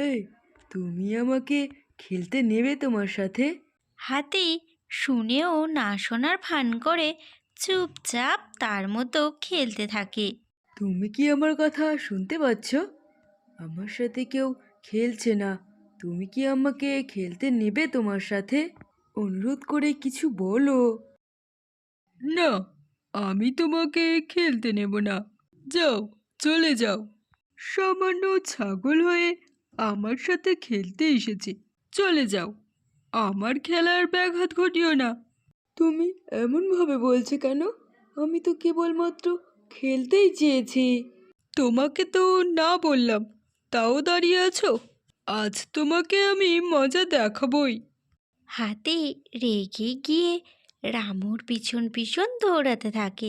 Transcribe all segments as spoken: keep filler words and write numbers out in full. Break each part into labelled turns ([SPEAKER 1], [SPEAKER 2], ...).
[SPEAKER 1] এই, তুমি আমাকে খেলতে নেবে তোমার সাথে?
[SPEAKER 2] হাতি শুনেও না শোনার ভান করে চুপচাপ তার মতো খেলতে থাকে।
[SPEAKER 1] তুমি কি আমার কথা শুনতে পাচ্ছ? আমার সাথে কেউ খেলছে না। তুমি কি আমাকে খেলতে নেবে তোমার সাথে? অনুরোধ করে কিছু বলো। না, আমি তোমাকে খেলতে নেব না। যাও, চলে যাও। সামান্য ছাগল হয়ে আমার সাথে খেলতে এসেছে, চলে যাও। আমার খেলার ব্যাঘাত ঘটিও না। তুমি এমনভাবে বলছো কেন? আমি তো কেবলমাত্র খেলতেই চেয়েছি। তোমাকে তো না বললাম, তাও দাঁড়িয়ে আছো। আজ তোমাকে আমি মজা দেখাবই।
[SPEAKER 2] হাতি রেগে গিয়ে রামুর পিছন পিছন দৌড়াতে থাকে।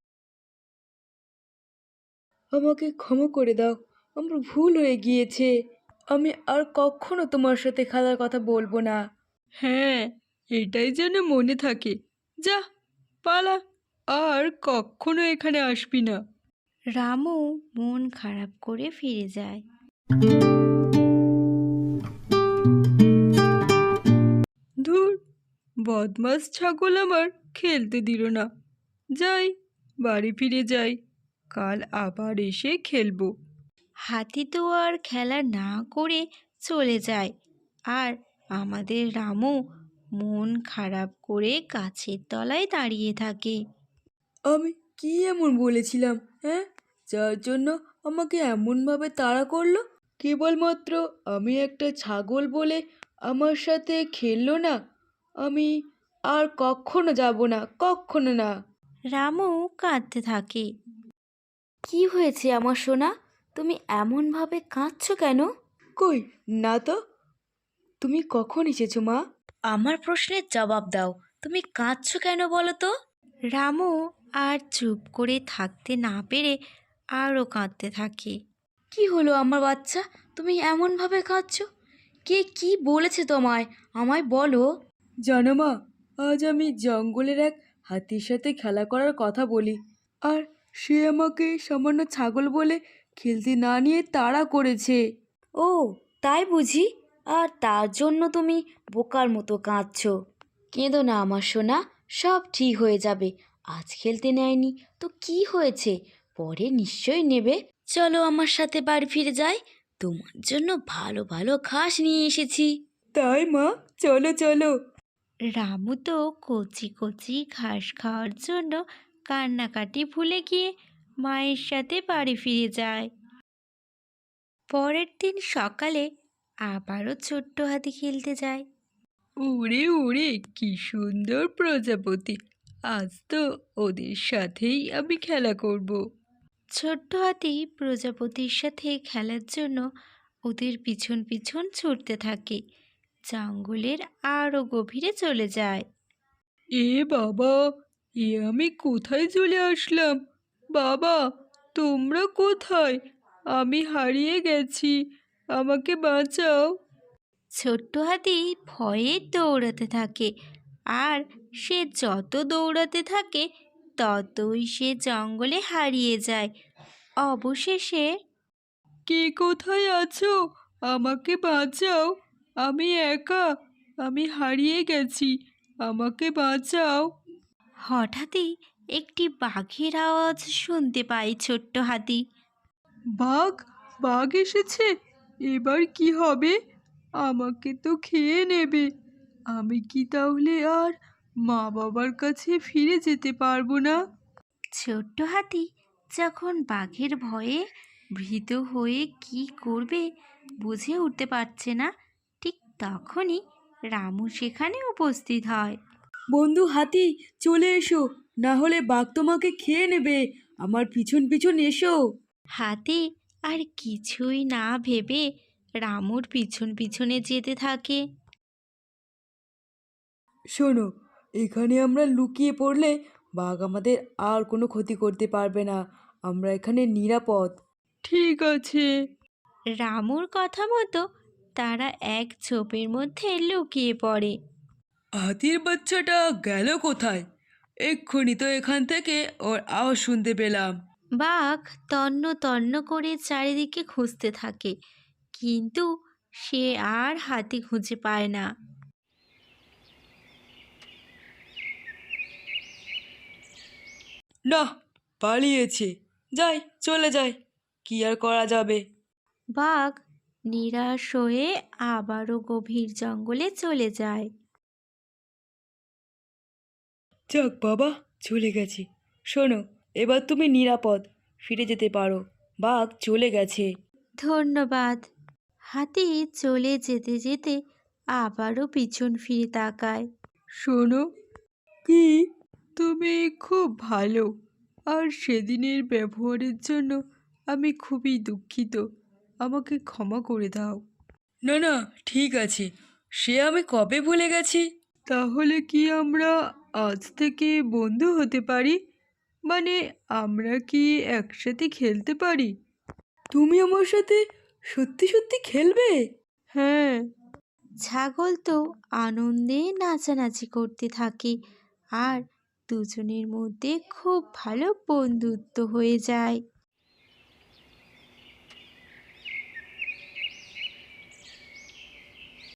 [SPEAKER 1] আমাকে ক্ষমা করে দাও, আমার ভুল হয়ে গিয়েছে। আমি আর কখনো তোমার সাথে খেলার কথা বলবো না। হ্যাঁ, এটাই যেন মনে থাকে। যা, পালা, আর কখনো এখানে আসবি না।
[SPEAKER 2] রামু মন খারাপ করে ফিরে যায়।
[SPEAKER 1] ধুর, বদমাস ছাগল আমার খেলতে দিল না। যাই, বাড়ি ফিরে যাই, কাল আবার এসে খেলবো।
[SPEAKER 2] হাতি তো আর খেলা না করে চলে যায়, আর আমাদের রামু মন খারাপ করে গাছের তলায় দাঁড়িয়ে থাকে।
[SPEAKER 1] আমি কি এমন বলেছিলাম, হ্যাঁ, যার জন্য আমাকে এমনভাবে তাড়া করলো? কেবলমাত্র আমি একটা ছাগল বলে আমার সাথে খেললো না। আমি আর কখনো যাব না, কখনো না।
[SPEAKER 2] রামু কাঁদতে থাকে। কি হয়েছে আমার সোনা? তুমি এমনভাবে কাঁদছো কেন?
[SPEAKER 1] কই, না তো। তুমি কখন এসেছো মা?
[SPEAKER 2] আমার প্রশ্নের জবাব দাও, তুমি কাঁদছো কেন বলো তো? রামু আর চুপ করে থাকতে না পেরে আরও কাঁদতে থাকে। কি হলো আমার বাচ্চা, তুমি এমনভাবে কাঁদছো? কে কি বলেছে তোমায়, আমায় বলো।
[SPEAKER 1] জানো মা, আজ আমি জঙ্গলের এক হাতির সাথে খেলা করার কথা বলি, আর সে আমাকে সামান্য ছাগল বলে খেলতে না নিয়ে তাড়া করেছে।
[SPEAKER 2] ও, তাই বুঝি? আর তার জন্য তুমি বোকার মতো কাঁদছো? কেঁদো না আমার সোনা, সব ঠিক হয়ে যাবে। আজ খেলতে নেয়নি তো কি হয়েছে, পরে নিশ্চয়ই নেবে। চলো আমার সাথে বাড়ি ফিরে যাই, তোমার জন্য ভালো ভালো ঘাস নিয়ে এসেছি।
[SPEAKER 1] তাই মা, চলো চলো।
[SPEAKER 2] রামু তো কচি কচি ঘাস খাওয়ার জন্য কান্নাকাটি ভুলে গিয়ে মায়ের সাথে বাড়ি ফিরে যায়। পরের দিন সকালে আবারও ছোট্ট হাতি খেলতে যায়।
[SPEAKER 1] ওরে ওরে, কি সুন্দর প্রজাপতি! আজ তো ওদের সাথেই আমি খেলা করব।
[SPEAKER 2] ছোট্ট হাতি প্রজাপতির সাথে খেলার জন্য ওদের পিছন পিছন ছুটতে থাকে, জঙ্গলের আরও গভীরে চলে যায়।
[SPEAKER 1] এ বাবা, এ আমি কোথায় চলে আসলাম? বাবা, তোমরা কোথায়? আমি হারিয়ে গেছি, আমাকে বাঁচাও।
[SPEAKER 2] ছোট্ট হাতি ভয়ে দৌড়াতে থাকে, আর সে যত দৌড়াতে থাকে ততই সে জঙ্গলে হারিয়ে যায়। অবশেষে
[SPEAKER 1] কে কোথায় আছো? আমাকে বাঁচাও, আমি একা, আমি হারিয়ে গেছি, আমাকে বাঁচাও।
[SPEAKER 2] হঠাৎই একটি বাঘের আওয়াজ শুনতে পায় ছোট্ট হাতি।
[SPEAKER 1] বাঘ? বাঘ এসেছে? এবার কি হবে? আমাকে তো খেয়ে নেবে। আমি কি তাহলে আর মা বাবার কাছে ফিরে যেতে পারবো না?
[SPEAKER 2] ছোট্ট হাতি যখন বাঘের ভয়ে ভীত হয়ে কি করবে বুঝে উঠতে পারছে না, ঠিক তখনই রামু সেখানে উপস্থিত হয়।
[SPEAKER 1] বন্ধু হাতি, চলে এসো, না হলে বাঘ তোমাকে খেয়ে নেবে। আমার পিছন পিছন এসো।
[SPEAKER 2] হাতি আর কিছুই না ভেবে রামুর পিছন পিছনে যেতে থাকে।
[SPEAKER 1] শোনো, এখানে আমরা লুকিয়ে পড়লে বাঘ আমাদের আর কোনো ক্ষতি করতে পারবে না। আমরা এখানে নিরাপদ। ঠিক আছে।
[SPEAKER 2] রামুর কথা মতো তারা এক ঝোপের মধ্যে লুকিয়ে পড়ে।
[SPEAKER 1] হাতির বাচ্চাটা গেল কোথায়? এক্ষুনি তো এখান থেকে ওর আওয়াজ শুনতে পেলাম।
[SPEAKER 2] বাঘ তন্ন তন্ন করে চারিদিকে খুঁজতে থাকে, কিন্তু
[SPEAKER 3] সে আর হাতি খুঁজে পায় না।
[SPEAKER 1] না, পালিয়েছে। যাই, চলে যাই, কি আর করা যাবে।
[SPEAKER 3] বাঘ নিরাশ হয়ে আবারও গভীর জঙ্গলে চলে যায়।
[SPEAKER 1] যাক বাবা, চলে গেছে। শোনো, এবার তুমি নিরাপদ ফিরে যেতে পারো। বাঘ চলে গেছে।
[SPEAKER 3] ধন্যবাদ। হাতি চলে যেতে যেতে আবারও পিছন ফিরে তাকায়।
[SPEAKER 1] শোনো, কি, তুমি খুব ভালো, আর সেদিনের ব্যবহারের জন্য আমি খুবই দুঃখিত। আমাকে ক্ষমা করে দাও। না না, ঠিক আছে, সে আমি কবে ভুলে গেছি। তাহলে কি আমরা আজ থেকে বন্ধু হতে পারি? মানে, আমরা কি একসাথে খেলতে পারি? তুমি আমার সাথে সত্যি সত্যি খেলবে? হ্যাঁ।
[SPEAKER 3] ছাগল তো আনন্দে নাচানাচি করতে থাকে আর দুজনের মধ্যে খুব ভালো বন্ধুত্ব হয়ে যায়।